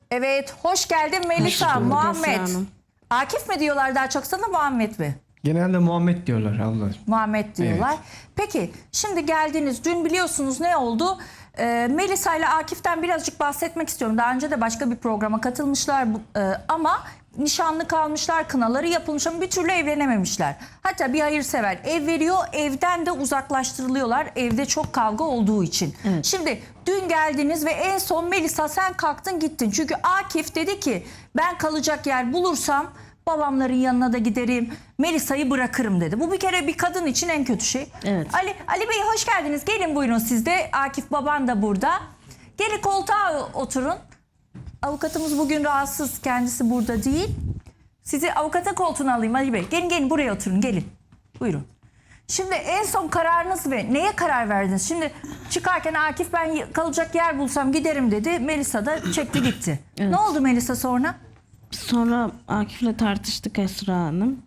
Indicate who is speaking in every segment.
Speaker 1: Evet, hoş geldin Melisa,
Speaker 2: Hoş bulduk
Speaker 1: Muhammed.
Speaker 2: Esra Hanım.
Speaker 1: Akif mi diyorlar daha çok sana, Muhammed mi?
Speaker 3: Genelde Muhammed diyorlar ablacığım.
Speaker 1: Muhammed diyorlar.
Speaker 3: Evet.
Speaker 1: Peki, şimdi geldiniz. Dün biliyorsunuz ne oldu? Melisa ile Akif'ten birazcık bahsetmek istiyorum. Daha önce de başka bir programa katılmışlar ama nişanlı kalmışlar, kınaları yapılmış ama bir türlü evlenememişler. Hatta bir hayırsever ev veriyor, evden de uzaklaştırılıyorlar. Evde çok kavga olduğu için.
Speaker 2: Evet.
Speaker 1: Şimdi dün geldiniz ve en son Melisa sen kalktın gittin. Çünkü Akif dedi ki ben kalacak yer bulursam babamların yanına da giderim, Melisa'yı bırakırım dedi. Bu bir kere bir kadın için en kötü şey.
Speaker 2: Evet.
Speaker 1: Ali Bey hoş geldiniz. Gelin buyurun siz de. Akif baban da burada. Gelin koltuğa oturun. Avukatımız bugün rahatsız. Kendisi burada değil. Sizi avukata koltuğuna alayım Ali Bey. Gelin buraya oturun gelin. Buyurun. Şimdi en son kararınız ve neye karar verdiniz? Şimdi çıkarken Akif ben kalacak yer bulsam giderim dedi. Melisa da çekti gitti.
Speaker 2: Evet.
Speaker 1: Ne oldu Melisa sonra?
Speaker 2: Sonra Akif'le tartıştık Esra Hanım.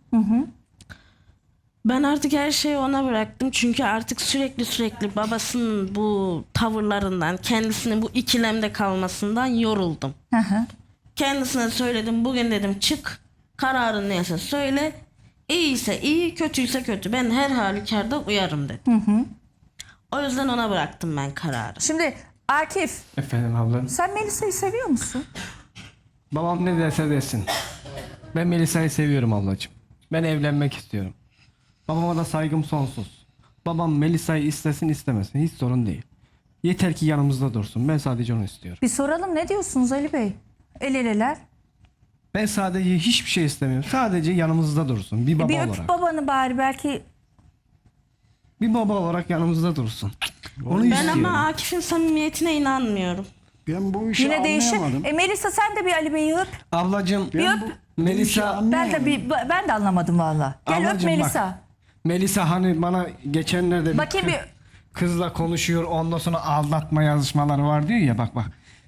Speaker 2: Ben artık her şeyi ona bıraktım. Çünkü artık sürekli babasının bu tavırlarından, kendisinin bu ikilemde kalmasından yoruldum.
Speaker 1: Hı hı.
Speaker 2: Kendisine söyledim. Bugün dedim çık. Kararın neyse söyle. İyiyse iyi, kötüyse kötü. Ben her halükarda uyarım dedim. O yüzden ona bıraktım ben kararı.
Speaker 1: Şimdi Akif
Speaker 3: Efendim ablam.
Speaker 1: sen Melisa'yı seviyor musun?
Speaker 3: Babam ne derse desin. Ben Melisa'yı seviyorum ablacığım. Ben evlenmek istiyorum. Babama da saygım sonsuz. Babam Melisa'yı istesin istemesin hiç sorun değil. Yeter ki yanımızda dursun. Ben sadece onu istiyorum.
Speaker 1: Bir soralım ne diyorsunuz Ali Bey? El eleler.
Speaker 3: Ben sadece hiçbir şey istemiyorum. Sadece yanımızda dursun. Bir baba
Speaker 1: Bir öp
Speaker 3: olarak.
Speaker 1: babanı bari belki.
Speaker 3: Bir baba olarak yanımızda dursun. Onu
Speaker 2: Ben
Speaker 3: istiyorum.
Speaker 2: ama Akif'in samimiyetine inanmıyorum.
Speaker 4: Ben bu işi
Speaker 1: Yine değişir.
Speaker 4: anlayamadım.
Speaker 1: Melisa sen de bir Ali Bey'i öp.
Speaker 3: Ablacığım
Speaker 1: Bir öp.
Speaker 3: Melisa
Speaker 1: Ben de anlamadım valla. Gel öp
Speaker 3: Ablacığım
Speaker 1: Melisa.
Speaker 3: bak. Melisa hani bana geçenlerde
Speaker 1: Bakayım bir.
Speaker 3: kızla konuşuyor ondan sonra aldatma yazışmaları var diyor ya bak.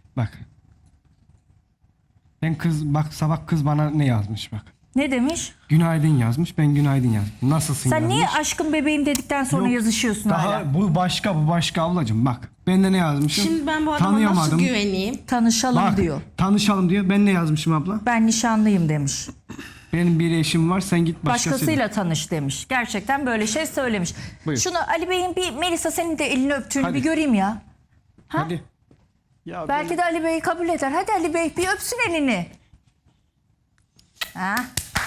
Speaker 3: Ben bak sabah kız bana ne yazmış bak.
Speaker 1: Ne demiş?
Speaker 3: Günaydın yazmış ben günaydın yazdım. Nasılsın
Speaker 1: Sen
Speaker 3: yazmış.
Speaker 1: niye aşkım bebeğim dedikten sonra
Speaker 3: Yok,
Speaker 1: yazışıyorsun
Speaker 3: daha
Speaker 1: hala?
Speaker 3: bu başka ablacığım bak. Ben de ne yazmışım?
Speaker 2: Şimdi ben bu adama nasıl güveneyim?
Speaker 1: Tanışalım
Speaker 3: Bak,
Speaker 1: diyor.
Speaker 3: tanışalım diyor. Ben ne yazmışım abla?
Speaker 1: Ben nişanlıyım demiş.
Speaker 3: Benim bir eşim var sen git başkasıyla.
Speaker 1: Başkasıyla tanış demiş. Gerçekten böyle şey söylemiş.
Speaker 3: Buyur.
Speaker 1: Şunu Ali Bey'in bir Melisa senin de elini öptüğünü
Speaker 3: Hadi.
Speaker 1: bir göreyim ya.
Speaker 3: Hadi.
Speaker 4: Ya
Speaker 1: Belki de Ali Bey kabul eder. Hadi Ali Bey bir öpsün elini. Ha?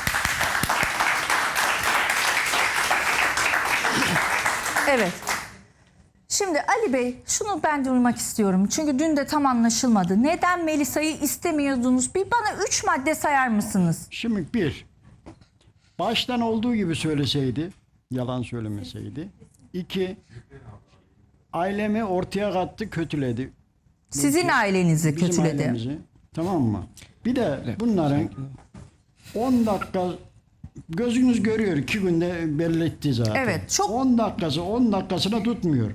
Speaker 1: Evet. Şimdi Ali Bey şunu ben duymak istiyorum. Çünkü dün de tam anlaşılmadı. Neden Melisa'yı istemiyordunuz? Bir bana 3 madde sayar mısınız?
Speaker 4: Şimdi bir, baştan olduğu gibi söyleseydi, yalan söylemeseydi. İki, ailemi ortaya kattı, kötüledi.
Speaker 1: Sizin ailenizi
Speaker 4: Bizim
Speaker 1: kötüledi.
Speaker 4: ailemizi. Tamam mı? Bir de bunların 10 dakika gözünüz görüyor 2 günde belli etti zaten.
Speaker 1: Evet, çok-
Speaker 4: 10 dakikasına tutmuyor.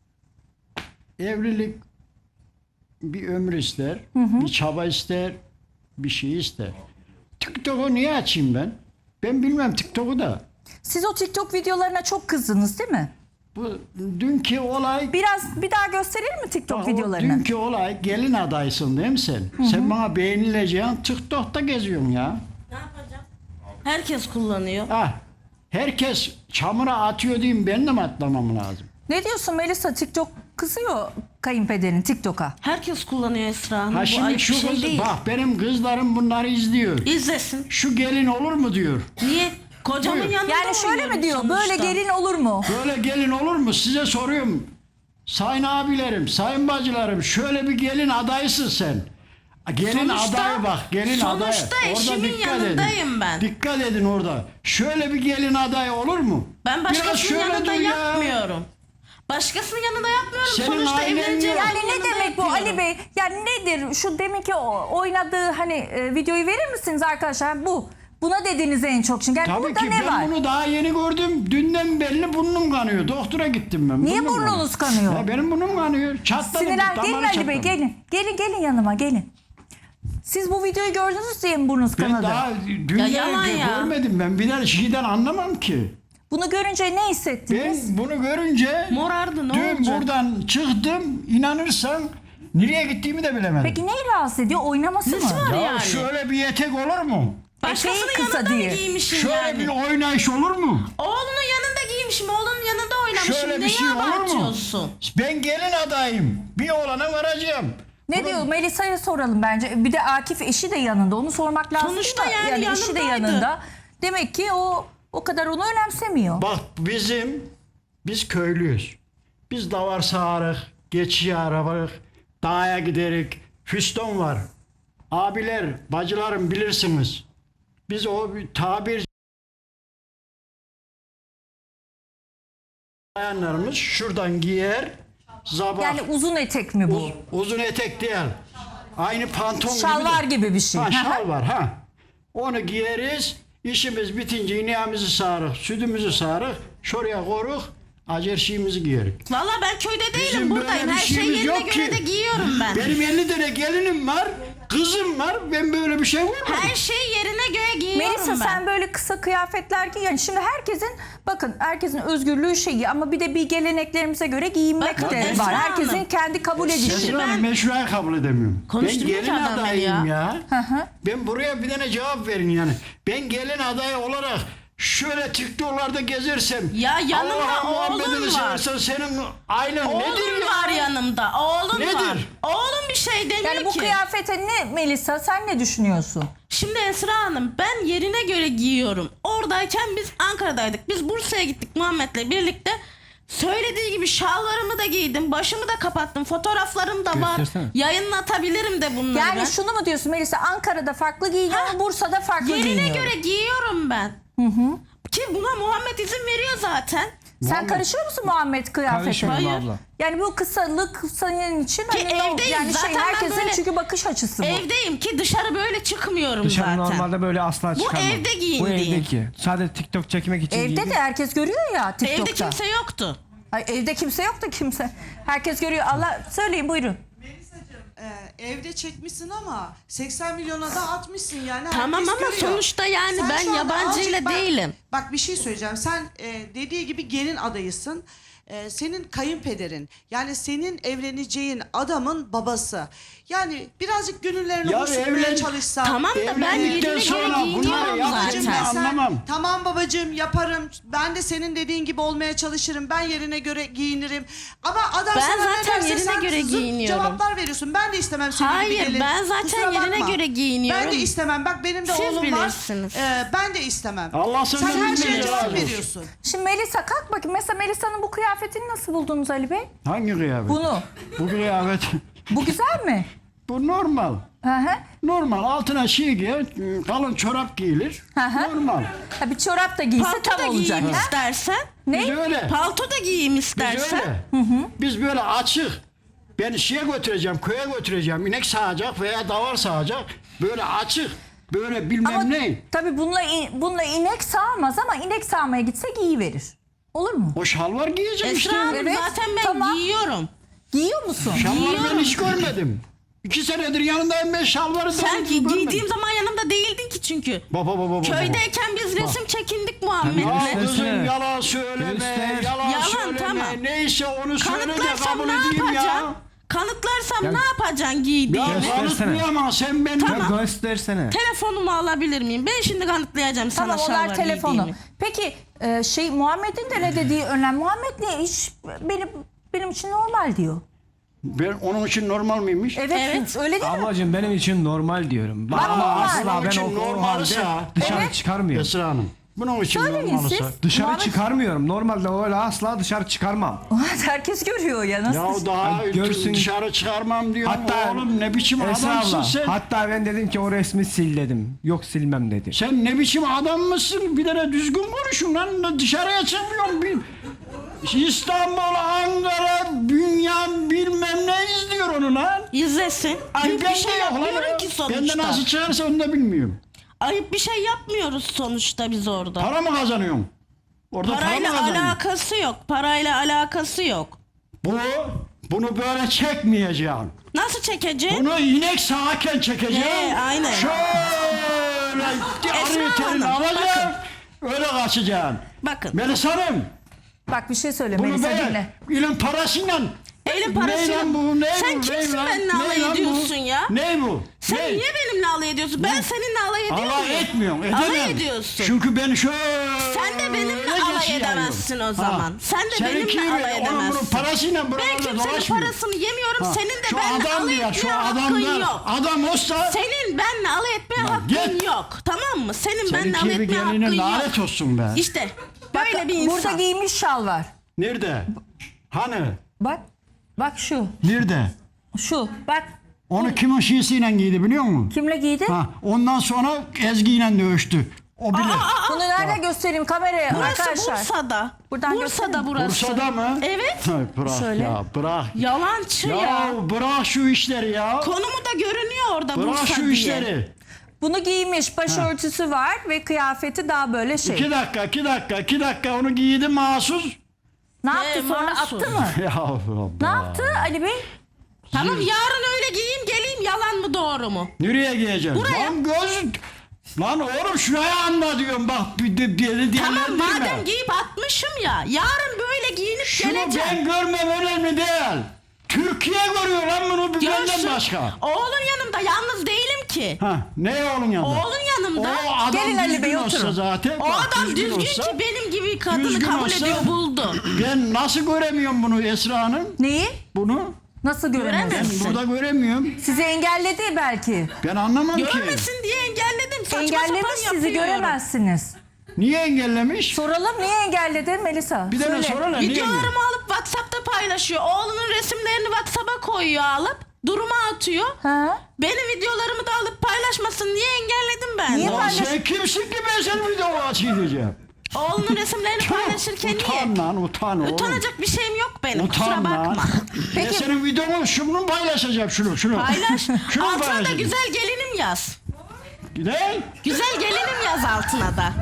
Speaker 4: Evlilik bir ömür ister, bir çaba ister, bir şey ister. TikTok'u niye açayım ben? Ben bilmem TikTok'u da.
Speaker 1: Siz o TikTok videolarına çok kızdınız değil mi?
Speaker 4: Bu dünkü olay
Speaker 1: Bir daha gösterir mi TikTok
Speaker 4: Bak, o
Speaker 1: videolarını?
Speaker 4: dünkü olay gelin adaysın değil mi sen? Sen bana beğenileceğin TikTok'ta geziyorsun ya.
Speaker 2: Ne yapacağım? Herkes kullanıyor.
Speaker 4: Ah, herkes çamura atıyor diyeyim ben de mi atlamam lazım?
Speaker 1: Ne diyorsun Melisa? TikTok kızıyor kayınpederin TikTok'a.
Speaker 2: Herkes kullanıyor Esra Hanım.
Speaker 4: Ha
Speaker 2: Bu
Speaker 4: şimdi
Speaker 2: ayıp bir
Speaker 4: şu
Speaker 2: şey
Speaker 4: kız
Speaker 2: değil.
Speaker 4: bak benim kızlarım bunları izliyor.
Speaker 2: İzlesin.
Speaker 4: Şu gelin olur mu diyor.
Speaker 2: Niye? Kocamın
Speaker 4: Buyur.
Speaker 2: yanında
Speaker 1: Yani şöyle
Speaker 2: oynuyorum
Speaker 1: mi diyor?
Speaker 2: sonuçta.
Speaker 1: Böyle gelin olur mu?
Speaker 4: Böyle gelin olur mu? Size soruyorum. Sayın abilerim, sayın bacılarım şöyle bir gelin adaysın sen. Gelin
Speaker 2: Sonuçta-
Speaker 4: adayı bak, gelin adayı.
Speaker 2: sonuçta
Speaker 4: Orada
Speaker 2: eşimin
Speaker 4: dikkat
Speaker 2: yanındayım
Speaker 4: edin.
Speaker 2: ben.
Speaker 4: Dikkat edin orada. Şöyle bir gelin adayı olur mu?
Speaker 2: Ben
Speaker 4: Biraz
Speaker 2: başkasının
Speaker 4: şöyle
Speaker 2: yanında
Speaker 4: dur ya.
Speaker 2: yapmıyorum. Başkasının yanında yapmıyorum.
Speaker 4: Senin
Speaker 2: Sonuçta
Speaker 4: ailen
Speaker 2: evleneceğim.
Speaker 4: yok.
Speaker 1: Yani ne demek bu Ali Bey? Yani nedir? Şu deminki oynadığı hani videoyu verir misiniz arkadaşlar? Bu. Buna dediğiniz en çok. Çünkü yani
Speaker 4: Tabii
Speaker 1: burada
Speaker 4: ki
Speaker 1: ne
Speaker 4: ben
Speaker 1: var?
Speaker 4: bunu daha yeni gördüm. Dünden belli burnum kanıyor. Doktora gittim ben.
Speaker 1: Niye
Speaker 4: Burnum
Speaker 1: burnunuz kanıyor?
Speaker 4: Ya benim burnum kanıyor. Çatladı.
Speaker 1: Sinirlen.
Speaker 4: damarı
Speaker 1: Gelin Ali Bey
Speaker 4: çatladı.
Speaker 1: gelin. Gelin yanıma gelin. Siz bu videoyu gördünüz diye mi burnunuz
Speaker 4: Ben
Speaker 1: kanadı?
Speaker 4: daha dünden
Speaker 2: yalan ya.
Speaker 4: görmedim. Ben bir de şeyden anlamam ki.
Speaker 1: Bunu görünce ne hissettiniz?
Speaker 4: Ben bunu görünce
Speaker 2: Morardı, ne
Speaker 4: dün
Speaker 2: olacak?
Speaker 4: buradan çıktım. İnanırsan Nereye gittiğimi de bilemedim.
Speaker 1: Peki neyi rahatsız ediyor? Oynaması mı?
Speaker 2: Nesi var
Speaker 4: Ya
Speaker 2: yani?
Speaker 4: şöyle bir etek olur mu?
Speaker 2: Başkasının
Speaker 1: Eteği kısa
Speaker 2: yanında
Speaker 1: diye.
Speaker 2: mı giymişim
Speaker 4: Şöyle
Speaker 2: yani?
Speaker 4: bir oynayış olur mu?
Speaker 2: Oğlunun yanında giymişim. Oğlunun yanında oynamışım.
Speaker 4: Şöyle bir
Speaker 2: Neyi
Speaker 4: şey olur mu?
Speaker 2: abartıyorsun?
Speaker 4: Ben gelin adayım. Bir oğlana varacağım.
Speaker 1: Ne diyor? Melisa'ya soralım bence. Bir de Akif eşi de yanında. Onu sormak lazım.
Speaker 2: Sonuçta
Speaker 1: da.
Speaker 2: yani
Speaker 1: eşi de
Speaker 2: yanındaydı.
Speaker 1: yanında. Demek ki o kadar onu önemsemiyor.
Speaker 4: Bak biz köylüyüz. Biz davar sağarık, geçici arabalık, dağa giderik, füston var. Abiler, bacılarım bilirsiniz. Biz o bir tabir bayanlarımız şuradan giyer, zabah.
Speaker 1: Yani uzun etek mi bu?
Speaker 4: Uzun etek değil. Aynı pantolon
Speaker 1: Şalvar gibi bir şey.
Speaker 4: Ha,
Speaker 1: Hı hı.
Speaker 4: şal var ha. Onu giyeriz. İşimiz bitince ineğimizi sağarık, sütümüzü sağarık, şuraya koruk, acer şeyimizi giyerik.
Speaker 2: Valla ben köyde değilim.
Speaker 4: Bizim
Speaker 2: Buradayım.
Speaker 4: böyle bir
Speaker 2: Her şey
Speaker 4: şeyimiz
Speaker 2: yerine
Speaker 4: yok
Speaker 2: göre
Speaker 4: ki.
Speaker 2: de giyiyorum ben.
Speaker 4: Benim 50 tane gelinim var, kızım var. Ben böyle bir şey görmedim.
Speaker 2: Her şey yerine göre giyiyorum
Speaker 1: Melisa
Speaker 2: ben.
Speaker 1: sen böyle kısa kıyafetler giy. Yani şimdi herkesin özgürlüğü şeyi ama bir de bir geleneklerimize göre giyinmek
Speaker 2: Bakın
Speaker 1: de
Speaker 2: Esra
Speaker 1: var.
Speaker 2: Hanım.
Speaker 1: Herkesin kendi kabul edişi.
Speaker 4: Esra
Speaker 2: ben-
Speaker 4: Hanım meşruayı kabul edemiyorum. Ben
Speaker 2: Konuşturmuyor ki
Speaker 4: gelin
Speaker 2: adam beni
Speaker 4: adayım
Speaker 2: ya.
Speaker 4: ya. Ben buraya bir tane cevap verin yani. Ben gelin adayı olarak şöyle TikTok'larda gezersem.
Speaker 2: Ya yanımda
Speaker 4: Allah'ın
Speaker 2: oğlum
Speaker 4: Muhammed'ini
Speaker 2: var.
Speaker 4: seversen senin ailen nedir
Speaker 2: Oğlum
Speaker 4: ya?
Speaker 2: var yanımda. Oğlum
Speaker 4: Nedir?
Speaker 2: var. Oğlum bir şey demiyor
Speaker 1: Yani bu
Speaker 2: ki.
Speaker 1: kıyafete ne Melisa sen ne düşünüyorsun?
Speaker 2: Şimdi Esra Hanım ben yerine göre giyiyorum. Oradayken biz Ankara'daydık. Biz Bursa'ya gittik Muhammed'le birlikte. Söylediği gibi şalvarımı da giydim. Başımı da kapattım. Fotoğraflarım da var.
Speaker 3: Göstersene.
Speaker 2: Yayınlatabilirim de bunları
Speaker 1: Yani
Speaker 2: ben.
Speaker 1: şunu mu diyorsun Melisa? Ankara'da farklı giyiniyor,
Speaker 2: Ha,
Speaker 1: Bursa'da farklı
Speaker 2: Yerine
Speaker 1: giyiniyor.
Speaker 2: göre giyiyorum ben. Ki buna Muhammed izin veriyor zaten.
Speaker 1: Sen
Speaker 4: Muhammed-
Speaker 1: karışıyor musun Muhammed kıyafetine?
Speaker 3: Karışmıyorum
Speaker 2: Hayır.
Speaker 3: abla.
Speaker 1: Yani bu kısalık senin için
Speaker 2: Ki evdeyim.
Speaker 1: yani
Speaker 2: Zaten ben
Speaker 1: herkesin
Speaker 2: böyle
Speaker 1: çünkü bakış açısı bu.
Speaker 2: Evdeyim ki dışarı böyle çıkmıyorum
Speaker 3: Dışarı
Speaker 2: zaten.
Speaker 3: normalde böyle asla çıkarmam.
Speaker 2: evde
Speaker 3: Bu
Speaker 2: giyindiğim.
Speaker 3: evdeki. Sadece TikTok çekmek için
Speaker 1: Evde
Speaker 3: giydim.
Speaker 1: de herkes görüyor ya TikTok'ta.
Speaker 2: Evde kimse yoktu.
Speaker 1: Ay, evde kimse yok da kimse. Herkes görüyor. Allah söyleyin buyurun.
Speaker 5: Evde çekmişsin ama 80 milyona da atmışsın yani.
Speaker 2: Tamam
Speaker 5: herkes
Speaker 2: ama
Speaker 5: görüyor.
Speaker 2: sonuçta yani
Speaker 5: Sen
Speaker 2: ben
Speaker 5: şu anda
Speaker 2: yabancıyla
Speaker 5: azıcık
Speaker 2: değilim.
Speaker 5: Bak bir şey söyleyeceğim. Sen dediği gibi gelin adayısın. Senin kayınpederin yani senin evleneceğin adamın babası. Yani birazcık gönüllerini
Speaker 4: Ya
Speaker 5: hoş tutmaya
Speaker 4: evlen-
Speaker 5: çalışsan.
Speaker 2: Tamam da ben
Speaker 4: Evlendikten
Speaker 2: yerine göre
Speaker 4: sonra bunları
Speaker 2: giyiniyorum
Speaker 4: yapacağım
Speaker 2: zaten.
Speaker 4: ben. Anlamam.
Speaker 5: Tamam babacığım yaparım. Ben de senin dediğin gibi olmaya çalışırım. Ben yerine göre giyinirim. Ama adam
Speaker 2: Ben
Speaker 5: sana ne
Speaker 2: zaten
Speaker 5: derse
Speaker 2: yerine
Speaker 5: sen
Speaker 2: göre
Speaker 5: zıt
Speaker 2: giyiniyorum.
Speaker 5: cevaplar veriyorsun. Ben de istemem senin gibi
Speaker 2: Hayır,
Speaker 5: gelin.
Speaker 2: ben zaten
Speaker 5: Kusura
Speaker 2: yerine
Speaker 5: bakma.
Speaker 2: göre giyiniyorum.
Speaker 5: Ben de istemem. Bak benim de
Speaker 2: Siz
Speaker 5: oğlum
Speaker 2: bilirsiniz.
Speaker 5: var. Ben de istemem.
Speaker 4: Allah
Speaker 5: Sen
Speaker 4: senden
Speaker 5: her
Speaker 4: bin
Speaker 5: şeye
Speaker 4: razı
Speaker 5: cevap
Speaker 4: olsun.
Speaker 5: veriyorsun.
Speaker 1: Şimdi Melisa kalk bakayım. Mesela Melisa'nın bu kıyafetini nasıl buldunuz Ali Bey?
Speaker 4: Hangi kıyafet?
Speaker 1: Bunu.
Speaker 4: Bu kıyafet.
Speaker 1: Bu güzel mi?
Speaker 4: Bu normal.
Speaker 1: Hı hı.
Speaker 4: Normal. Altına şey giyer, kalın çorap giyilir.
Speaker 1: Hı hı.
Speaker 4: Normal.
Speaker 1: Ha, bir çorap da giyse
Speaker 2: Palto da
Speaker 1: tam olacak.
Speaker 2: giyeyim
Speaker 1: ha?
Speaker 2: istersen.
Speaker 4: Biz
Speaker 1: Ne?
Speaker 4: öyle.
Speaker 2: Palto da giyeyim
Speaker 4: Biz
Speaker 2: istersen.
Speaker 4: öyle. Biz böyle açık. Ben şeye götüreceğim, köye götüreceğim. İnek sağacak veya davar sağacak. Böyle açık. Böyle bilmem
Speaker 1: Ama
Speaker 4: ne.
Speaker 1: tabii bununla inek sağmaz ama inek sağmaya gitse giyiverir. Olur mu?
Speaker 4: O şalvar giyeceğim işte.
Speaker 2: Esra Hanım
Speaker 1: Evet,
Speaker 2: zaten ben
Speaker 1: tamam.
Speaker 2: giyiyorum.
Speaker 1: Giyiyor musun?
Speaker 4: Şalvar ben
Speaker 2: giyiyorum.
Speaker 4: hiç görmedim. 2 senedir yanındayım ben şalvarı
Speaker 2: Sen
Speaker 4: doğru düzgün
Speaker 2: giydiğim
Speaker 4: görmedim.
Speaker 2: zaman yanımda değildin ki çünkü.
Speaker 4: Baba.
Speaker 2: Köydeyken biz resim çekindik
Speaker 4: Ya
Speaker 2: Muhammed'le.
Speaker 4: kızım
Speaker 3: Göster.
Speaker 4: yalan söyleme,
Speaker 3: Göster.
Speaker 4: yalan
Speaker 2: Yalan,
Speaker 4: söyleme.
Speaker 2: tamam.
Speaker 4: Neyse onu söyle de
Speaker 2: Kanıtlarsam
Speaker 4: kabul
Speaker 2: ne
Speaker 4: edeyim ya.
Speaker 2: yapacaksın? Kanıtlarsam
Speaker 3: Ya-
Speaker 2: ne yapacaksın
Speaker 4: Ya
Speaker 2: giydiğimi?
Speaker 3: Göstersene.
Speaker 4: kanıtlayamam sen benim.
Speaker 3: Ya göstersene.
Speaker 2: Telefonumu alabilir miyim? Ben şimdi kanıtlayacağım sana
Speaker 1: Tamam
Speaker 2: şalvar
Speaker 1: onlar telefonu.
Speaker 2: giydiğimi.
Speaker 1: Peki Muhammed'in de ne dediği önemli. Muhammed ne hiç benim için normal diyor.
Speaker 4: Ben onun için normal miymiş?
Speaker 1: Evet. Öyle değil mi?
Speaker 3: Ablacığım benim için normal diyorum.
Speaker 1: Bak,
Speaker 3: Ama
Speaker 1: normal.
Speaker 3: asla
Speaker 4: Onun
Speaker 3: ben
Speaker 4: için
Speaker 3: o
Speaker 4: normalsa-
Speaker 3: halde dışarı
Speaker 1: Evet.
Speaker 3: çıkarmıyorum.
Speaker 4: Esra Hanım. Bunun için
Speaker 1: Söyleyin
Speaker 4: normalsa.
Speaker 1: siz.
Speaker 3: Dışarı
Speaker 1: Muhammed-
Speaker 3: çıkarmıyorum. Normalde öyle asla dışarı çıkarmam.
Speaker 1: Herkes görüyor ya nasıl?
Speaker 4: Ya daha
Speaker 3: Ay, görsün.
Speaker 4: dışarı çıkarmam diyor.
Speaker 3: Hatta
Speaker 4: Oğlum ne biçim
Speaker 3: Esra
Speaker 4: adamsın
Speaker 3: abla,
Speaker 4: sen.
Speaker 3: hatta ben dedim ki o resmi sil dedim. Yok silmem dedi.
Speaker 4: Sen ne biçim adam mısın? Bir tane düzgün konuşun lan. Dışarıya çıkmıyorum. İstanbul, Ankara, Bünyan bilmem ne izliyor onu lan.
Speaker 2: İzlesin. Ayıp bir
Speaker 4: Ben
Speaker 2: şey
Speaker 4: de yok lan
Speaker 2: yapmıyorum
Speaker 4: ya.
Speaker 2: ki
Speaker 4: Ben de
Speaker 2: sonuçta.
Speaker 4: nasıl çıkarsa onu da bilmiyorum.
Speaker 2: Ayıp bir şey yapmıyoruz sonuçta biz orada.
Speaker 4: Para mı kazanıyorsun? Orada para mı
Speaker 2: Parayla
Speaker 4: kazanıyorsun?
Speaker 2: alakası yok. Parayla alakası yok.
Speaker 4: Bunu böyle çekmeyeceğim.
Speaker 2: Nasıl çekeceksin?
Speaker 4: Bunu inek sağarken çekeceğim.
Speaker 2: Aynen.
Speaker 4: Şöyle arı terini
Speaker 2: Hanım,
Speaker 4: alacağım. Öyle kaçacaksın.
Speaker 2: Bakın.
Speaker 4: Melis Hanım.
Speaker 1: Bak bir şey söyle
Speaker 4: Bunu
Speaker 1: Melisa
Speaker 4: böyle
Speaker 1: dinle.
Speaker 4: ilin parasıyla
Speaker 2: Elin
Speaker 4: Ne
Speaker 2: parası.
Speaker 4: lan bu? Ne
Speaker 2: Sen
Speaker 4: bu?
Speaker 2: kimsin
Speaker 4: Ne lan?
Speaker 2: benimle
Speaker 4: Ne
Speaker 2: alay
Speaker 4: lan bu?
Speaker 2: ediyorsun ya?
Speaker 4: Ne bu?
Speaker 2: Sen
Speaker 4: Ne?
Speaker 2: niye benimle alay ediyorsun? Ben seninle alay ediyor muyum?
Speaker 4: Alay etmiyorum. Edemem.
Speaker 2: Alay ediyorsun.
Speaker 4: Çünkü ben şöyle
Speaker 2: Sen de benimle alay
Speaker 4: geçiyorum.
Speaker 2: edemezsin o zaman. Sen de
Speaker 4: Seninki
Speaker 2: benimle alay
Speaker 4: onun bunun
Speaker 2: edemezsin.
Speaker 4: parasıyla
Speaker 2: Ben
Speaker 4: buralarda
Speaker 2: kimsenin
Speaker 4: dolaşmıyor.
Speaker 2: parasını yemiyorum.
Speaker 4: Ha,
Speaker 2: Senin de
Speaker 4: şu
Speaker 2: benimle
Speaker 4: adam
Speaker 2: alay
Speaker 4: ya, şu
Speaker 2: etmeye hakkın
Speaker 4: adamlar,
Speaker 2: yok.
Speaker 4: adam olsa
Speaker 2: Senin benimle alay etmeye hakkın
Speaker 4: git.
Speaker 2: yok. Tamam mı? Senin benimle
Speaker 4: seninki
Speaker 2: alay
Speaker 4: bir
Speaker 2: etmeye hakkın
Speaker 4: geline
Speaker 2: yok.
Speaker 4: lanet olsun be.
Speaker 2: İşte böyle bir insan.
Speaker 1: Burada giymiş şal var.
Speaker 4: Nerede? Hani?
Speaker 1: Bak. Bak şu.
Speaker 4: Nerede?
Speaker 1: Şu. Bak.
Speaker 4: Onu kimin şiisiyle giydi biliyor musun?
Speaker 1: Kimle giydi?
Speaker 4: Ha, ondan sonra Ezgi'yle dövüştü. O bilir.
Speaker 1: Bunu nerede göstereyim kameraya
Speaker 2: Burası
Speaker 1: arkadaşlar?
Speaker 2: Bursa'da.
Speaker 1: Buradan
Speaker 2: Bursa'da
Speaker 1: göstereyim.
Speaker 2: burası.
Speaker 4: Bursa'da mı?
Speaker 2: Evet.
Speaker 4: Ay, bırak
Speaker 1: Şöyle.
Speaker 4: ya, bırak.
Speaker 2: Yalancı ya.
Speaker 4: Ya bırak şu işleri ya.
Speaker 2: Konumu da görünüyor orada
Speaker 4: Bırak
Speaker 2: Bursa
Speaker 4: şu
Speaker 2: diye.
Speaker 4: işleri.
Speaker 1: Bunu giymiş. Başörtüsü var ve kıyafeti daha böyle şey.
Speaker 4: 2 dakika onu giydi mahsus.
Speaker 1: Ne yaptı sonra
Speaker 2: mahsus.
Speaker 1: attı mı?
Speaker 4: Ya Allah.
Speaker 1: Ne yaptı Ali Bey?
Speaker 2: Tamam yarın öyle giyeyim geleyim yalan mı doğru mu?
Speaker 4: Nereye giyeceksin?
Speaker 2: Buraya.
Speaker 4: Lan göz. Lan oğlum şuraya anla diyorum bak bir deli
Speaker 2: Tamam
Speaker 4: diyenler
Speaker 2: madem giyip atmışım ya yarın böyle giyinip
Speaker 4: Şunu
Speaker 2: geleceğim.
Speaker 4: ben görmem önemli değil. Türkiye görüyor lan bunu bir benden
Speaker 2: Görsün.
Speaker 4: başka.
Speaker 2: Oğlun yanımda yalnız değilim ki.
Speaker 4: Ha, ne oğlun yanında?
Speaker 2: Oğlun yanımda.
Speaker 4: O adam
Speaker 1: Gelin Ali
Speaker 4: düzgün
Speaker 1: Bey,
Speaker 4: olsa
Speaker 1: oturun.
Speaker 4: zaten.
Speaker 2: O
Speaker 4: bak,
Speaker 2: adam düzgün
Speaker 4: olsa,
Speaker 2: ki benim gibi kadını
Speaker 4: düzgün
Speaker 2: kabul
Speaker 4: olsa-
Speaker 2: ediyor buldu.
Speaker 4: Ben nasıl göremiyorum bunu Esra Hanım?
Speaker 1: Neyi?
Speaker 4: Bunu
Speaker 1: Nasıl
Speaker 4: ben
Speaker 1: göremezsin?
Speaker 4: burada göremiyorum.
Speaker 1: Sizi engelledi belki.
Speaker 4: Ben anlamam ki.
Speaker 2: Görmesin diye engelledim. Saçma
Speaker 1: Engellemiş
Speaker 2: sapan
Speaker 1: sizi
Speaker 2: yapıyorum.
Speaker 1: göremezsiniz.
Speaker 4: Niye engellemiş?
Speaker 1: Soralım niye engelledi Melisa?
Speaker 4: Bir tane
Speaker 1: Söyle.
Speaker 4: sorana niye engellemiş?
Speaker 2: Videolarımı alıp WhatsApp'ta paylaşıyor. Oğlunun resimlerini WhatsApp'a koyuyor alıp. Duruma atıyor.
Speaker 1: Ha?
Speaker 2: Benim videolarımı da alıp paylaşmasın diye engelledim ben.
Speaker 1: Niye
Speaker 4: Lan
Speaker 1: paylaş-
Speaker 4: sen kimsin ki ben senin videonu açayım diyeceğim.
Speaker 2: Oğlunun resimlerini paylaşırken
Speaker 4: Utan
Speaker 2: niye?
Speaker 4: lan utan oğlum.
Speaker 2: Utanacak bir şeyim yok benim. Kusura
Speaker 4: Utan lan.
Speaker 2: bakma.
Speaker 4: Ben senin videonu şunu paylaşacağım şunu.
Speaker 2: Paylaş.
Speaker 4: Şunu
Speaker 2: Altına da
Speaker 4: paylaşacağım.
Speaker 2: güzel gelinim yaz.
Speaker 4: Ne?
Speaker 2: Güzel gelinim yaz altına da.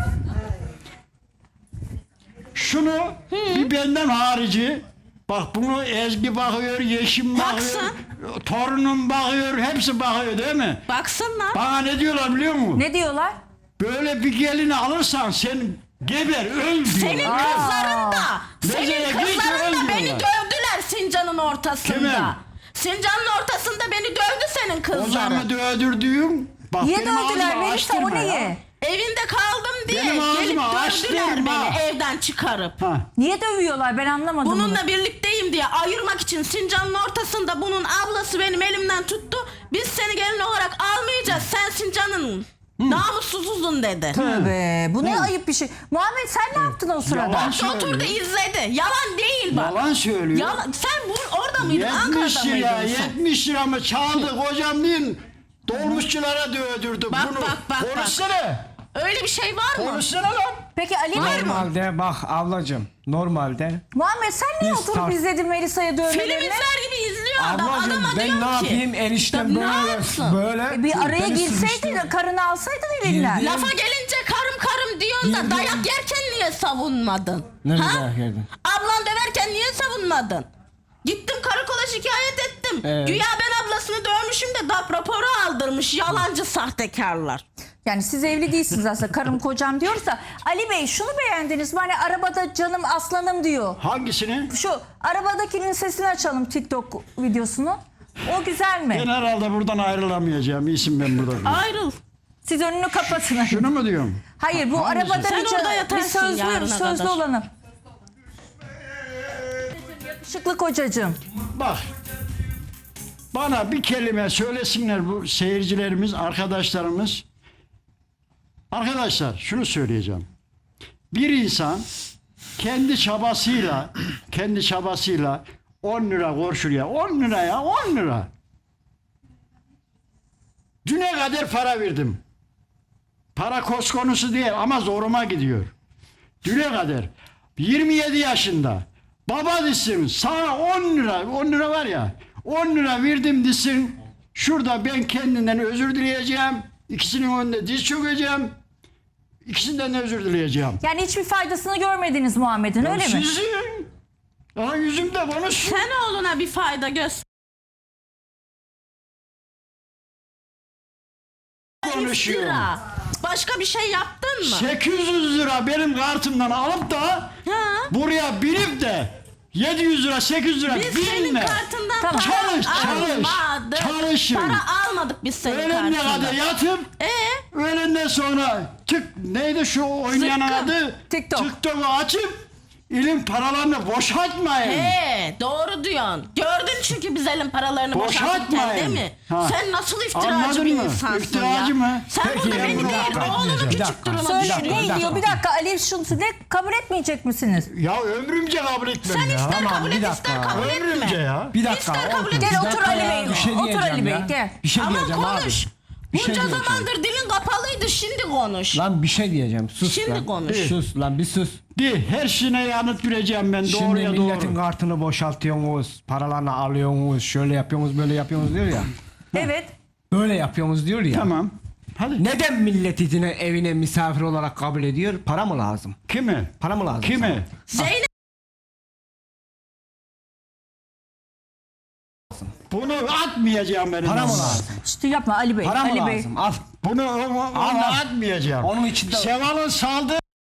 Speaker 4: Şunu bir benden harici bak bunu Ezgi bakıyor, Yeşim bakıyor,
Speaker 2: Baksın.
Speaker 4: torunum bakıyor, hepsi bakıyor değil mi?
Speaker 2: Baksınlar.
Speaker 4: Bana ne diyorlar biliyor musun?
Speaker 1: Ne diyorlar?
Speaker 4: Böyle bir gelini alırsan sen geber, öl
Speaker 2: Senin
Speaker 4: diyorlar.
Speaker 2: kızların da,
Speaker 4: Mesela
Speaker 2: senin
Speaker 4: git
Speaker 2: kızların da
Speaker 4: öl
Speaker 2: beni
Speaker 4: diyorlar.
Speaker 2: dövdüler Sincan'ın ortasında.
Speaker 4: Kimin?
Speaker 2: Sincan'ın ortasında beni dövdü senin
Speaker 4: O
Speaker 2: kızların.
Speaker 4: zaman öldürdüğüm bak
Speaker 1: Niye
Speaker 4: benim
Speaker 1: dövdüler
Speaker 4: ağzımı
Speaker 1: Melisa o
Speaker 4: açtırma
Speaker 1: niye?
Speaker 4: ya.
Speaker 2: Evinde kaldım diye
Speaker 4: Benim ağzımı
Speaker 2: gelip dövdüler
Speaker 4: açtırma.
Speaker 2: beni evden çıkarıp.
Speaker 4: Ha.
Speaker 1: Niye dövüyorlar ben anlamadım bunu.
Speaker 2: Bununla birlikteyim diye ayırmak için Sincan'ın ortasında bunun ablası benim elimden tuttu. Biz seni gelin olarak almayacağız. Sen Sincan'ın namussuzuzun dedi.
Speaker 1: Tövbe bu ne ayıp bir şey. Muhammed sen ne yaptın o sırada?
Speaker 4: Yalan
Speaker 2: Oturdu
Speaker 4: söylüyor.
Speaker 2: izledi. Yalan değil bak.
Speaker 4: Yalan söylüyor.
Speaker 2: Yalan. Sen orada mıydın?
Speaker 4: 70
Speaker 2: Ankara'da
Speaker 4: lira,
Speaker 2: mıydın sen?
Speaker 4: 70 lira mı çaldı kocam değil. Dolmuşçulara dövdürdü
Speaker 2: Bak,
Speaker 4: bunu.
Speaker 2: bak.
Speaker 4: Konuşsana.
Speaker 2: Öyle bir şey var mı?
Speaker 4: Konuşsana lan.
Speaker 1: Peki Ali Bey
Speaker 3: Normalde bak ablacığım normalde
Speaker 1: Muhammed sen niye
Speaker 3: Biz
Speaker 1: oturup
Speaker 3: tar-
Speaker 1: izledin Melisa'ya
Speaker 2: Film
Speaker 1: dövmelerini?
Speaker 2: izler gibi izliyor adam.
Speaker 3: ablacığım
Speaker 2: Adama
Speaker 3: ben
Speaker 2: diyorum
Speaker 3: ne
Speaker 2: ki.
Speaker 3: yapayım eniştem
Speaker 2: Ne
Speaker 3: böyle
Speaker 2: yapsın?
Speaker 3: böyle
Speaker 1: Bir araya
Speaker 3: beni
Speaker 1: girseydin
Speaker 3: sıkıştırdı.
Speaker 1: karını alsaydın elinden.
Speaker 3: Girdi.
Speaker 2: Lafa gelince karım diyorsun da
Speaker 3: Girdim.
Speaker 2: dayak yerken niye savunmadın?
Speaker 3: Ne
Speaker 2: Ha?
Speaker 3: dayak yerdin?
Speaker 2: Ablan döverken niye savunmadın? Gittim karakola şikayet ettim.
Speaker 3: Evet.
Speaker 2: Güya ben ablasını dövmüşüm de DAP raporu aldırmış yalancı sahtekarlar.
Speaker 1: Yani siz evli değilsiniz aslında karım kocam diyorsa. Ali Bey şunu beğendiniz mi? Hani arabada canım aslanım diyor.
Speaker 4: Hangisini?
Speaker 1: Şu arabadakinin sesini açalım TikTok videosunu. O güzel mi?
Speaker 4: Ben herhalde buradan ayrılamayacağım. İyisin ben burada.
Speaker 2: Ayrıl.
Speaker 1: Siz önünü kapatın.
Speaker 4: Şunu mu diyorum?
Speaker 1: Hayır bu
Speaker 4: Hangisi?
Speaker 1: arabada
Speaker 2: Sen
Speaker 1: bir,
Speaker 2: orada
Speaker 1: bir
Speaker 2: yatarsın yarına
Speaker 1: sözlü
Speaker 2: kadar.
Speaker 1: olanı. Yakışıklı kocacığım.
Speaker 4: Bak. Bana bir kelime söylesinler bu seyircilerimiz, arkadaşlarımız. Arkadaşlar şunu söyleyeceğim. Bir insan kendi çabasıyla 10 lira koşur ya. 10 lira ya 10 lira. Düne kadar para verdim. Para koz konusu değil ama zoruma gidiyor. Düne kadar. 27 yaşında. Baba desin sana 10 lira var ya 10 lira verdim desin. Şurada ben kendinden özür dileyeceğim. İkisinin önünde diz çökeceğim. İkisinden de özür dileyeceğim.
Speaker 1: Yani hiçbir faydasını görmediniz Muhammed'in öyle mi?
Speaker 4: Sizin. Aa, yüzümde konuşsun.
Speaker 2: Sen oğluna bir fayda göster.
Speaker 4: Konuşuyor.
Speaker 2: Lira. Başka bir şey yaptın mı?
Speaker 4: 800 lira benim kartımdan alıp da
Speaker 2: Ha?
Speaker 4: buraya binip de 700 lira, 800 lira,
Speaker 2: Biz
Speaker 4: 1000
Speaker 2: senin
Speaker 4: lira.
Speaker 2: kartından
Speaker 1: Tamam.
Speaker 2: para
Speaker 4: Çalış.
Speaker 2: almadık. Para almadık biz senin
Speaker 4: Öğlenine kadar
Speaker 2: kartından.
Speaker 4: yatıp öğlenden sonra neydi şu oynayan
Speaker 2: Zıkkım.
Speaker 4: adı?
Speaker 1: TikTok.
Speaker 4: TikTok'u açıp ilim paralarını boşaltmayın.
Speaker 2: Doğru diyorsun. Gördün çünkü biz elin paralarını boşaltırken
Speaker 4: Boşaltmayın.
Speaker 2: değil mi?
Speaker 4: Ha.
Speaker 2: Sen nasıl iftiracı
Speaker 4: Anladın
Speaker 2: bir
Speaker 4: mı?
Speaker 2: insansın
Speaker 4: İftiracı
Speaker 2: ya.
Speaker 4: mı?
Speaker 2: Sen
Speaker 3: Peki,
Speaker 2: burada
Speaker 3: ben
Speaker 2: beni
Speaker 3: bunu
Speaker 2: değil
Speaker 3: hakikaten
Speaker 2: oğlunu
Speaker 3: diyeceğim.
Speaker 2: küçük
Speaker 3: Bir
Speaker 2: duruma
Speaker 1: Söyle
Speaker 2: düşürüyorsun.
Speaker 1: ne diyor? Bir dakika Ali şunu ne kabul etmeyecek misiniz?
Speaker 4: Ya ömrümce kabul etmem
Speaker 2: Sen
Speaker 4: ya.
Speaker 2: ister
Speaker 3: Tamam,
Speaker 2: kabul
Speaker 3: bir
Speaker 2: et
Speaker 3: dakika.
Speaker 2: ister kabul
Speaker 4: Ömrümce
Speaker 2: etme.
Speaker 4: ya.
Speaker 3: Bir dakika.
Speaker 2: İster kabul et.
Speaker 1: Gel
Speaker 3: Bir
Speaker 1: otur
Speaker 3: dakika
Speaker 1: Ali
Speaker 3: ya,
Speaker 1: Bey.
Speaker 3: bir şey
Speaker 1: Otur
Speaker 3: diyeceğim
Speaker 1: Ali Bey,
Speaker 3: ya.
Speaker 1: gel.
Speaker 3: Bir şey
Speaker 2: Ama
Speaker 3: diyeceğim
Speaker 2: konuş.
Speaker 3: abi. Bir şey
Speaker 2: Bunca
Speaker 3: diyeceğim.
Speaker 2: zamandır dilin kapalıydı şimdi konuş.
Speaker 3: Lan bir şey diyeceğim. Sus
Speaker 2: Şimdi
Speaker 3: lan.
Speaker 2: konuş.
Speaker 3: Sus lan bir sus.
Speaker 4: Her şeyine yanıt vereceğim ben
Speaker 3: Şimdi
Speaker 4: doğruya
Speaker 3: milletin
Speaker 4: doğru.
Speaker 3: kartını boşaltıyorsunuz, paralarını alıyorsunuz, şöyle yapıyorsunuz, böyle yapıyorsunuz diyor ya.
Speaker 1: Evet.
Speaker 3: Böyle yapıyorsunuz diyor ya.
Speaker 4: Tamam. Hadi.
Speaker 3: Neden millet evine misafir olarak kabul ediyor? Para mı lazım?
Speaker 4: Kimi?
Speaker 3: Para mı lazım?
Speaker 4: Kimi?
Speaker 2: Zeynep
Speaker 4: Bunu atmayacağım benim.
Speaker 3: Para mı
Speaker 4: ağzıma.
Speaker 3: lazım?
Speaker 1: İşte yapma Ali Bey.
Speaker 3: Para mı
Speaker 1: Ali Bey.
Speaker 3: lazım? Al.
Speaker 4: Bunu onu
Speaker 3: Allah.
Speaker 4: atmayacağım.
Speaker 3: Onun içinde...
Speaker 4: Seval'ın saldığı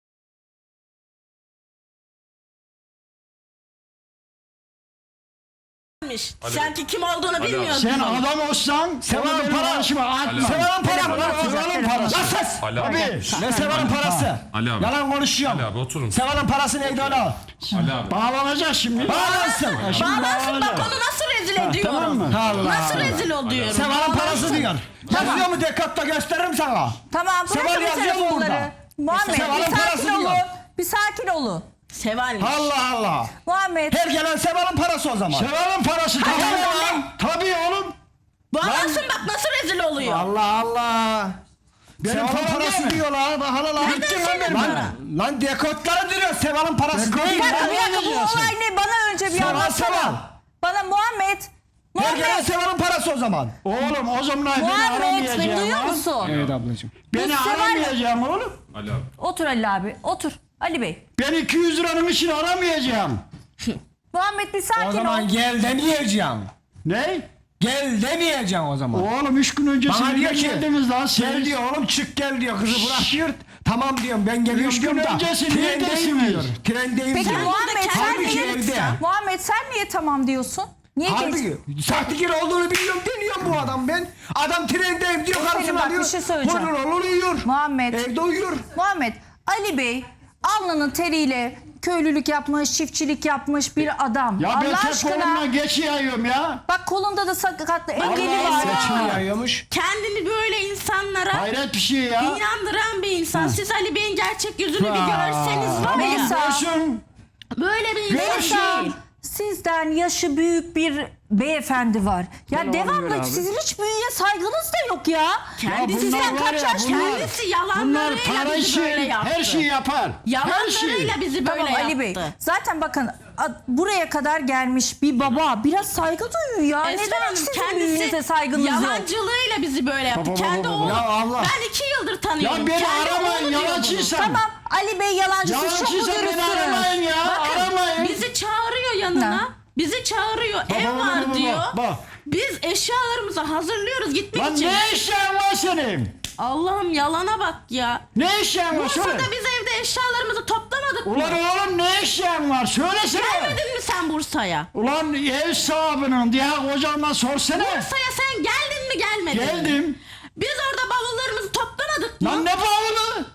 Speaker 2: Sanki kim olduğunu bilmiyorsun.
Speaker 4: sen adam olsan
Speaker 3: Seval'ın
Speaker 4: benim
Speaker 3: para-
Speaker 4: karşıma atma.
Speaker 3: Seval'ın para mı?
Speaker 4: Seval'ın parası.
Speaker 3: Lan sus!
Speaker 6: Ali abi.
Speaker 4: Abi.
Speaker 3: Ne Seval'ın parası?
Speaker 6: Ali abi.
Speaker 3: Yalan konuşuyorum.
Speaker 6: Ali abi oturun.
Speaker 3: Seval'ın parası neydi ona?
Speaker 6: Ali abi.
Speaker 4: Bağlanacak şimdi.
Speaker 3: Bağlansın.
Speaker 2: Bağlansın bak onu nasıl rezil ediyorum.
Speaker 4: Tamam mı?
Speaker 3: Allah
Speaker 2: Nasıl
Speaker 3: Allah.
Speaker 2: rezil oluyorum.
Speaker 3: Seval'ın parası diyor. Yazıyor mu Dekat'ta gösteririm sana.
Speaker 1: Tamam
Speaker 3: Seval
Speaker 1: bırakın bu
Speaker 3: yazıyor mu burada?
Speaker 1: telefonları. Muhammed
Speaker 3: Seval'ın
Speaker 1: bir
Speaker 3: parası
Speaker 1: sakin olun.
Speaker 3: diyor.
Speaker 1: Bir sakin olun.
Speaker 2: Sevalmiş.
Speaker 3: Allah Allah.
Speaker 1: Muhammed.
Speaker 3: Her gelen Seval'ın parası o zaman.
Speaker 4: Seval'ın parası. Tabii
Speaker 3: Hadi
Speaker 4: oğlum. Tabii oğlum.
Speaker 2: Bağlansın bak nasıl rezil oluyor.
Speaker 3: Allah Allah. Seval'ın
Speaker 4: param
Speaker 3: parası
Speaker 4: değil mi?
Speaker 3: diyorlar. Bak hala lan.
Speaker 2: Nereden senin
Speaker 3: Lan,
Speaker 2: para?
Speaker 3: lan dekotları diyor Seval'ın parası
Speaker 4: Dekot
Speaker 3: değil.
Speaker 1: Bir dakika,
Speaker 4: ya.
Speaker 1: bir dakika, bu
Speaker 4: diyorsun?
Speaker 1: olay ne? Bana önce bir
Speaker 3: Seval,
Speaker 1: anlatsana.
Speaker 3: Seval.
Speaker 1: Bana Muhammed.
Speaker 3: Her gelen
Speaker 1: Muhammed.
Speaker 3: Seval'ın parası o zaman.
Speaker 4: Oğlum o zaman beni
Speaker 1: Muhammed beni
Speaker 4: aramayacağım.
Speaker 1: duyuyor
Speaker 4: ha.
Speaker 1: musun?
Speaker 3: Evet ablacığım.
Speaker 4: Beni
Speaker 1: Bu Seval-
Speaker 4: aramayacağım oğlum.
Speaker 6: Ali abi.
Speaker 1: Otur Ali abi. Otur. Ali Bey.
Speaker 4: Ben 200 liranın için aramayacağım.
Speaker 1: Muhammed bir
Speaker 3: O
Speaker 1: sakin
Speaker 3: zaman
Speaker 1: ol.
Speaker 3: gel demeyeceğim.
Speaker 4: Ne?
Speaker 3: Gel demeyeceğim o zaman.
Speaker 4: Oğlum 3 gün önce
Speaker 3: Bana diyor
Speaker 4: siz
Speaker 3: ki
Speaker 4: geldiniz lan siz.
Speaker 3: gel diyor oğlum çık gel diyor kızı bırak diyor. Tamam diyorum ben geliyorum
Speaker 4: Üç gün
Speaker 3: diyorum da.
Speaker 4: öncesi
Speaker 3: Trendeyim
Speaker 4: neredesiniz?
Speaker 3: diyor. Trendeyim
Speaker 1: Peki
Speaker 3: diyor.
Speaker 1: Muhammed sen
Speaker 3: Halbuki
Speaker 1: niye,
Speaker 3: evde.
Speaker 1: Muhammed sen niye tamam diyorsun? Niye geç?
Speaker 3: Halbuki sahtekar olduğunu biliyorum deniyorum bu adam ben. Adam trendeyim diyor
Speaker 1: Efendim
Speaker 3: karşısına
Speaker 1: bak,
Speaker 3: alıyor.
Speaker 1: bir şey söyleyeceğim.
Speaker 3: Olur uyuyor.
Speaker 1: Muhammed.
Speaker 3: Evde uyuyor.
Speaker 1: Muhammed, Ali Bey alnının teriyle köylülük yapmış, çiftçilik yapmış bir adam.
Speaker 4: Ya ben
Speaker 1: Allah
Speaker 4: tek
Speaker 1: aşkına.
Speaker 4: kolumla geçiyorum ya.
Speaker 1: Bak kolunda da sakatlı engeli
Speaker 2: Allah
Speaker 1: var.
Speaker 2: Allah.
Speaker 3: Saçını yayıyormuş.
Speaker 2: Kendini böyle insanlara
Speaker 4: Hayret bir şey ya.
Speaker 2: inandıran bir insan. Siz Ali Bey'in gerçek yüzünü bir görseniz var ya.
Speaker 1: Melisa.
Speaker 4: Görsün.
Speaker 2: Böyle bir insan
Speaker 1: Melisa,
Speaker 2: değil.
Speaker 1: sizden yaşı büyük bir beyefendi var. Ya
Speaker 3: Gel oğlum,
Speaker 1: devamlı
Speaker 3: gel abi.
Speaker 1: sizin hiç büyüye saygınız da yok ya.
Speaker 2: Kendisi
Speaker 4: bunlar
Speaker 1: Sizden
Speaker 4: var
Speaker 1: kaç
Speaker 4: ya,
Speaker 1: yaş
Speaker 4: bunlar-
Speaker 1: büyük?
Speaker 2: Kendisi
Speaker 4: Bunlar
Speaker 2: yalanlarıyla
Speaker 4: para
Speaker 2: bizi
Speaker 4: işi,
Speaker 2: böyle yaptı.
Speaker 4: her şeyi yapar. Her şeyi.
Speaker 2: Yalanlarıyla bizi böyle
Speaker 1: Tamam
Speaker 2: yaptı.
Speaker 1: Ali Bey. Zaten bakın buraya kadar gelmiş bir baba biraz saygı duyuyor ya.
Speaker 2: Esra
Speaker 1: Neden
Speaker 2: Hanım,
Speaker 1: hiç sizin büyüğünüze saygınız yok?
Speaker 2: yalancılığıyla bizi böyle yaptı.
Speaker 4: Baba,
Speaker 2: Kendi
Speaker 4: baba,
Speaker 2: oğlum.
Speaker 3: Ya Allah.
Speaker 2: Ben 2 yıldır tanıyorum.
Speaker 4: Ya beni
Speaker 2: Kendi
Speaker 4: aramayın
Speaker 2: oğlu diyor bunu.
Speaker 4: yalancıysan.
Speaker 1: Tamam Ali Bey yalancısız çok mu
Speaker 4: Yalancıysan beni aramayın
Speaker 1: dürüstsünüz?
Speaker 4: ya.
Speaker 2: Bakın
Speaker 4: Aramayın.
Speaker 2: bizi çağırıyor yanına.
Speaker 1: Ne?
Speaker 2: Bizi çağırıyor. Ev
Speaker 4: baba,
Speaker 2: var
Speaker 4: baba,
Speaker 2: diyor.
Speaker 4: bak.
Speaker 2: Biz eşyalarımızı hazırlıyoruz gitmek
Speaker 4: Lan
Speaker 2: için.
Speaker 4: ne eşyan var senin?
Speaker 2: Allah'ım yalana bak ya.
Speaker 4: Ne eşyan var söyle.
Speaker 2: Bursa'da biz evde eşyalarımızı toplamadık
Speaker 4: Ulan
Speaker 2: mı?
Speaker 4: oğlum ne eşyan var söylesene.
Speaker 2: Gelmedin mi sen Bursa'ya?
Speaker 4: Ulan ev sahibinin diye hocamla sorsana.
Speaker 2: Bursa'ya sen geldin mi gelmedin mi?
Speaker 4: Geldim.
Speaker 2: Biz orada bavullarımızı toplamadık mı?
Speaker 4: Lan ne bağlı?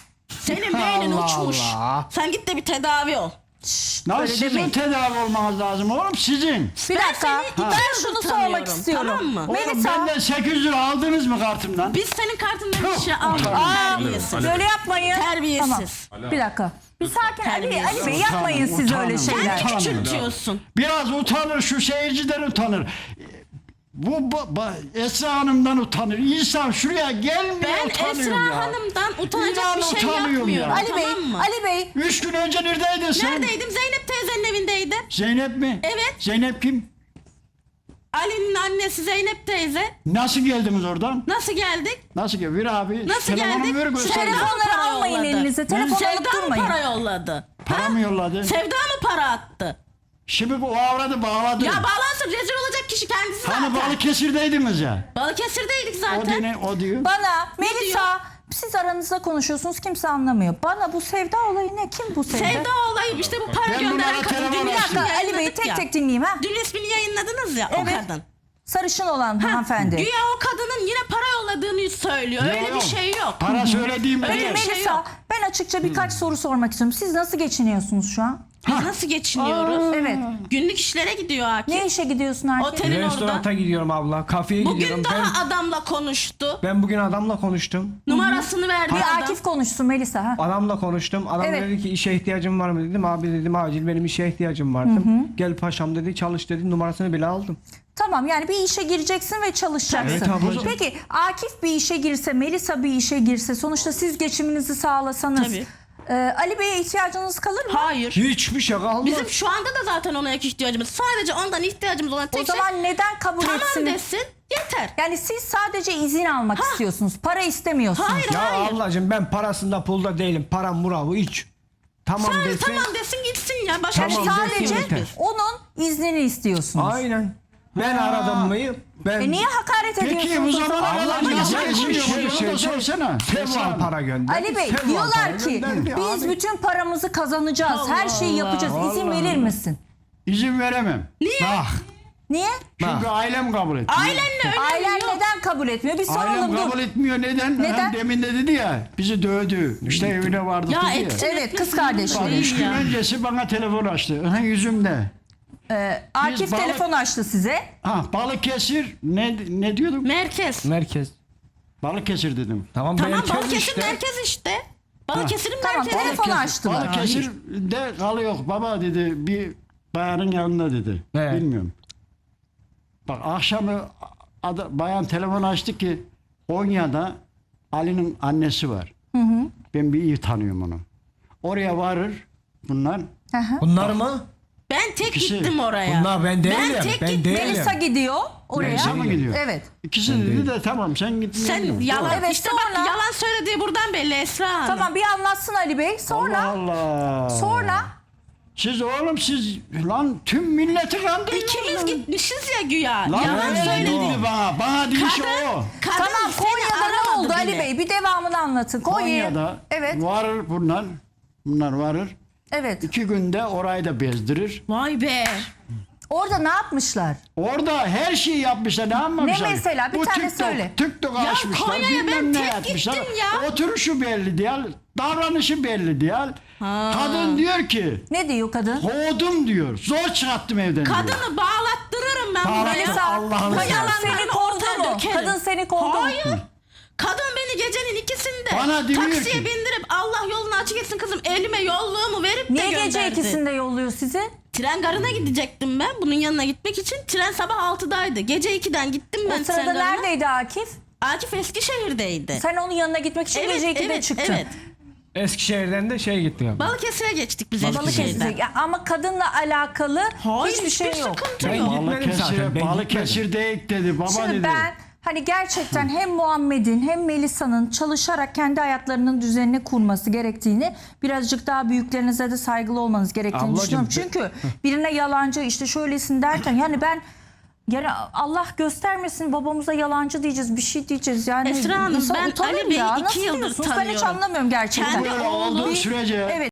Speaker 2: Senin beynin
Speaker 3: Allah
Speaker 2: uçmuş.
Speaker 3: Allah.
Speaker 2: Sen git de bir tedavi ol.
Speaker 4: Lan
Speaker 1: Öyle
Speaker 4: sizin
Speaker 1: demeyin.
Speaker 4: tedavi olmanız lazım oğlum sizin.
Speaker 1: Bir dakika.
Speaker 2: seni iki
Speaker 1: Ben
Speaker 2: yıldır
Speaker 1: şunu
Speaker 2: tanıyorum,
Speaker 1: sormak istiyorum.
Speaker 2: tamam mı?
Speaker 4: Oğlum
Speaker 1: Melisa.
Speaker 4: benden 800 lira aldınız mı kartımdan?
Speaker 2: Biz senin kartından bir şey almadık.
Speaker 1: Aa,
Speaker 2: Terbiyesiz.
Speaker 1: böyle yapmayın.
Speaker 2: Terbiyesiz.
Speaker 1: Tamam. Bir dakika. Bir sakin Ali Bey.
Speaker 2: Terbiyesiz.
Speaker 1: Ali Bey yapmayın siz
Speaker 4: Utanın,
Speaker 1: öyle
Speaker 4: utanın.
Speaker 1: şeyler.
Speaker 2: Kendi küçültüyorsun.
Speaker 4: Biraz utanır şu seyirciden utanır. Esra Hanım'dan utanır. İnsan şuraya gelmiyor
Speaker 2: Ben
Speaker 4: utanıyorum
Speaker 2: Esra
Speaker 4: ya.
Speaker 2: Hanım'dan utanacak
Speaker 4: İnan
Speaker 2: bir şey
Speaker 4: utanıyorum
Speaker 2: yapmıyorum.
Speaker 4: ya.
Speaker 1: Ali Bey.
Speaker 2: Tamam mı?
Speaker 1: Ali Bey.
Speaker 4: 3 gün önce neredeydin sen?
Speaker 2: Neredeydim? Zeynep teyzenin evindeydim.
Speaker 4: Zeynep mi?
Speaker 2: Evet.
Speaker 4: Zeynep kim?
Speaker 2: Ali'nin annesi Zeynep teyze.
Speaker 4: Nasıl geldiniz oradan?
Speaker 2: Nasıl geldik?
Speaker 4: Nasıl geldi? Ver abi.
Speaker 2: Nasıl
Speaker 4: telefonumu
Speaker 2: geldik?
Speaker 4: ver göster.
Speaker 2: Sevda mı
Speaker 1: Telefonları
Speaker 2: para
Speaker 1: almayın
Speaker 2: yolladı?
Speaker 1: elinize. Telefonu alıp
Speaker 2: Sevda mı
Speaker 1: durmayın.
Speaker 2: para yolladı?
Speaker 4: Para
Speaker 2: Ha?
Speaker 4: mı yolladı?
Speaker 2: Sevda mı para attı?
Speaker 4: Şimdi bu avradı bağladı.
Speaker 2: Ya bağlansın rezil olacak kişi kendisi
Speaker 4: Hani
Speaker 2: zaten.
Speaker 4: Balıkesir'deydiniz ya.
Speaker 2: Balıkesir'deydik
Speaker 4: O,
Speaker 2: zaten.
Speaker 4: o diyor.
Speaker 1: Bana Melisa siz aranızda konuşuyorsunuz, kimse anlamıyor. Bana bu sevda olayı ne? Kim bu sevda?
Speaker 2: Sevda olayı işte bu para
Speaker 4: Ben
Speaker 2: gönderen
Speaker 4: bunlara
Speaker 2: kadın.
Speaker 4: telefon
Speaker 2: Dün
Speaker 1: Bir
Speaker 4: açtım.
Speaker 1: dakika Ali Bey, tek tek dinleyeyim ha.
Speaker 2: Dün ismini yayınladınız ya o
Speaker 1: Evet.
Speaker 2: kadın.
Speaker 1: Sarışın olan hanımefendi.
Speaker 2: Güya o kadının yine para yolladığını söylüyor. Öyle bir
Speaker 4: Yok.
Speaker 2: şey yok.
Speaker 4: Para söylediğim
Speaker 2: Öyle
Speaker 1: Peki
Speaker 2: bir
Speaker 4: değil.
Speaker 2: şey
Speaker 1: Melisa,
Speaker 2: yok.
Speaker 1: ben açıkça birkaç soru sormak istiyorum. Siz nasıl geçiniyorsunuz şu an?
Speaker 2: Biz nasıl geçiniyoruz?
Speaker 1: Evet.
Speaker 2: Günlük işlere gidiyor Akif.
Speaker 1: Ne işe gidiyorsun Akif?
Speaker 2: Otelin orada.
Speaker 3: Restoranta gidiyorum abla. Kafeye gidiyorum.
Speaker 2: Bugün daha adamla konuştu.
Speaker 3: Ben bugün adamla konuştum.
Speaker 2: Numarasını verdi
Speaker 1: Bir
Speaker 2: adam.
Speaker 1: Akif konuşsun Melisa. Ha.
Speaker 3: Adamla konuştum. Adam
Speaker 1: Evet.
Speaker 3: dedi ki işe ihtiyacım var mı dedim. Abi dedim acil benim işe ihtiyacım var dedim. Gel paşam dedi çalış dedi. Numarasını bile aldım.
Speaker 1: Tamam, yani bir işe gireceksin ve çalışacaksın.
Speaker 3: Evet ablacığım.
Speaker 1: Peki Akif bir işe girse, Melisa bir işe girse, sonuçta siz geçiminizi sağlasanız
Speaker 2: Tabii.
Speaker 1: Ali Bey'e ihtiyacınız kalır mı?
Speaker 2: Hayır.
Speaker 3: Hiçbir şey kalmaz.
Speaker 2: Bizim şu anda da zaten ona ihtiyacımız. Sadece ondan ihtiyacımız olan
Speaker 1: O
Speaker 2: tek şey
Speaker 1: zaman neden kabul
Speaker 2: tamam
Speaker 1: etsin?
Speaker 2: desin yeter.
Speaker 1: Yani siz sadece izin almak istiyorsunuz. Para istemiyorsunuz.
Speaker 2: Hayır
Speaker 3: Ya
Speaker 2: hayır.
Speaker 3: ablacığım ben parasında pulda değilim. Param muravı hiç. Tamam
Speaker 2: Sadece
Speaker 3: desin.
Speaker 2: tamam desin gitsin ya. Başka
Speaker 3: Tamam
Speaker 2: bir şey
Speaker 3: desin,
Speaker 1: Sadece
Speaker 3: yeter.
Speaker 1: onun iznini istiyorsunuz.
Speaker 3: Aynen. Ben aradım mı? Ben
Speaker 1: Niye hakaret
Speaker 4: Peki
Speaker 1: ediyorsunuz?
Speaker 4: bu
Speaker 1: o zaman?
Speaker 4: zaman
Speaker 3: Allah'ım
Speaker 4: nasıl
Speaker 3: ya,
Speaker 4: geçiniyor?
Speaker 3: şey-
Speaker 4: Bunu da sorsana.
Speaker 3: Seval para gönderdi.
Speaker 1: Ali Bey
Speaker 3: Seval para
Speaker 1: diyorlar ki
Speaker 3: gönderdi
Speaker 1: biz
Speaker 3: abi.
Speaker 1: bütün paramızı kazanacağız. Her şeyi yapacağız. İzin
Speaker 3: Allah
Speaker 1: verir
Speaker 3: Allah.
Speaker 1: misin?
Speaker 4: İzin veremem.
Speaker 2: Niye?
Speaker 4: Bak.
Speaker 1: Niye?
Speaker 4: Çünkü ailem kabul etmiyor.
Speaker 2: Ailenle önemi
Speaker 1: Ailen
Speaker 2: yok.
Speaker 1: neden kabul etmiyor? Bir
Speaker 4: Ailem
Speaker 1: soralım
Speaker 4: kabul
Speaker 1: dur.
Speaker 4: etmiyor. Neden?
Speaker 1: Neden?
Speaker 4: Hem demin de dedi ya bizi dövdü. İşte evine vardık
Speaker 2: Ya
Speaker 4: dedi ya.
Speaker 2: etsin
Speaker 1: Evet,
Speaker 2: etmesin
Speaker 1: kız kardeşleri.
Speaker 2: umurumda
Speaker 4: Üç
Speaker 2: değil
Speaker 4: gün
Speaker 2: ya.
Speaker 4: öncesi bana telefon açtı. Ha, yüzümde.
Speaker 1: Akif
Speaker 4: balık-
Speaker 1: telefon açtı size.
Speaker 4: Ha Balıkesir ne diyordum?
Speaker 2: Merkez.
Speaker 3: Merkez.
Speaker 4: Balıkesir dedim.
Speaker 3: Tamam,
Speaker 2: Tamam
Speaker 3: merkez
Speaker 2: Balıkesir
Speaker 3: işte.
Speaker 2: merkez işte. Balıkesir'in
Speaker 1: Tamam,
Speaker 2: merkezi.
Speaker 1: telefon açtılar.
Speaker 4: Balıkesir'de kalıyor baba dedi. Bir bayanın yanında dedi.
Speaker 3: Evet.
Speaker 4: Bilmiyorum. Bak akşamı bayan telefon açtı ki Konya'da Ali'nin annesi var. Ben bir iyi tanıyorum onu. Oraya varır bunlar.
Speaker 1: Hı hı.
Speaker 3: Bunlar mı?
Speaker 2: Ben tek
Speaker 4: İkisi-
Speaker 2: gittim oraya.
Speaker 3: Bunlar ben değilim.
Speaker 2: tek
Speaker 3: Ben
Speaker 2: gittim.
Speaker 3: değilim.
Speaker 1: Melisa gidiyor oraya.
Speaker 4: Melisa mı gidiyor?
Speaker 1: Evet.
Speaker 4: İkisi dedi de tamam sen git.
Speaker 2: Sen yalan
Speaker 1: Evet,
Speaker 2: işte
Speaker 1: sonra-
Speaker 2: bak yalan söylediği buradan belli Esra Hanım.
Speaker 1: Tamam, bir anlatsın Ali Bey. Sonra
Speaker 4: Allah.
Speaker 1: sonra
Speaker 4: Siz oğlum siz lan tüm milleti kandırıyorsunuz.
Speaker 2: İkimiz gitmişiz ya güya.
Speaker 4: Lan
Speaker 2: Yalan
Speaker 4: öyle
Speaker 2: söyledi.
Speaker 4: dedi bana. Bana değil şu o.
Speaker 2: Kadın
Speaker 1: tamam,
Speaker 2: seni
Speaker 1: Konya'da ne
Speaker 2: aramadı
Speaker 1: oldu Ali
Speaker 2: bile.
Speaker 1: Bey? Bir devamını anlatın.
Speaker 4: Konya'da
Speaker 1: Evet.
Speaker 4: varır bunlar. Bunlar varır.
Speaker 1: Evet.
Speaker 4: 2 günde orayı da bezdirir.
Speaker 2: Vay be.
Speaker 1: Orada ne yapmışlar?
Speaker 4: Orada her şeyi yapmışlar. Ne yapmamışlar?
Speaker 1: Ne mesela? Bir
Speaker 4: Bu
Speaker 1: tane
Speaker 4: TikTok,
Speaker 1: söyle.
Speaker 4: TikTok
Speaker 2: Ya
Speaker 4: açmışlar.
Speaker 2: Konya'ya ben
Speaker 4: Bilmem ne
Speaker 2: tek
Speaker 4: yapmışlar.
Speaker 2: gittim ya.
Speaker 4: Oturuşu belli değil. Davranışı belli değil. Kadın diyor ki
Speaker 1: Ne diyor kadın?
Speaker 4: kovdum diyor. Zor çıkarttım evden diyor.
Speaker 2: Kadını bağlattırırım ben buraya.
Speaker 1: Melisa,
Speaker 3: Allah'ını
Speaker 1: kadın
Speaker 2: seversen.
Speaker 1: seni kovdu
Speaker 2: Ortaya
Speaker 1: mu?
Speaker 2: dökerim.
Speaker 1: Kadın seni kovdu mu?
Speaker 2: Hayır. Kadın beni gecenin ikisinde
Speaker 4: Bana diyor
Speaker 2: taksiye
Speaker 4: ki-
Speaker 2: bindirip Allah yolunu açık etsin kızım elime yolluğumu verip de
Speaker 1: Niye
Speaker 2: gönderdi.
Speaker 1: gece ikisinde yolluyor sizi?
Speaker 2: Tren garına gidecektim ben bunun yanına gitmek için. Tren sabah 6'daydı. Gece 2'den gittim ben
Speaker 1: O
Speaker 2: tren
Speaker 1: sırada
Speaker 2: garına.
Speaker 1: neredeydi Akif?
Speaker 2: Akif Eskişehir'deydi.
Speaker 1: Sen onun yanına gitmek için gece 2'de çıktın.
Speaker 2: Evet.
Speaker 3: Eskişehir'den de gittik abi.
Speaker 2: Balıkesir'e geçtik biz
Speaker 1: Balıkesir'e.
Speaker 2: Eskişehir'den.
Speaker 1: Ya ama kadınla alakalı
Speaker 2: Hayır
Speaker 1: hiçbir şey yok.
Speaker 2: sıkıntı
Speaker 3: Ben
Speaker 2: yok.
Speaker 3: gitmedim zaten. Ben
Speaker 4: Balıkesir'de ilk dedi. Baba
Speaker 1: Şimdi
Speaker 4: dedi.
Speaker 1: ben hani gerçekten hem Muhammed'in hem Melisa'nın çalışarak kendi hayatlarının düzenini kurması gerektiğini, birazcık daha büyüklerinize de saygılı olmanız gerektiğini
Speaker 3: Ablacığım,
Speaker 1: düşünüyorum. Çünkü birine yalancı işte şöylesin derken yani yani Allah göstermesin babamıza yalancı diyeceğiz, bir şey diyeceğiz. Yani
Speaker 2: Esra Hanım,
Speaker 1: insan
Speaker 2: ben
Speaker 1: utanır
Speaker 2: Ali Bey'i
Speaker 1: ya.
Speaker 2: 2
Speaker 1: Nasıl
Speaker 2: yıldır
Speaker 1: diyorsunuz? Ben hiç
Speaker 2: tanıyorum.
Speaker 1: anlamıyorum gerçekten.
Speaker 2: Kendi
Speaker 4: Böyle olduğu
Speaker 2: oğlum
Speaker 4: sürece
Speaker 1: Evet.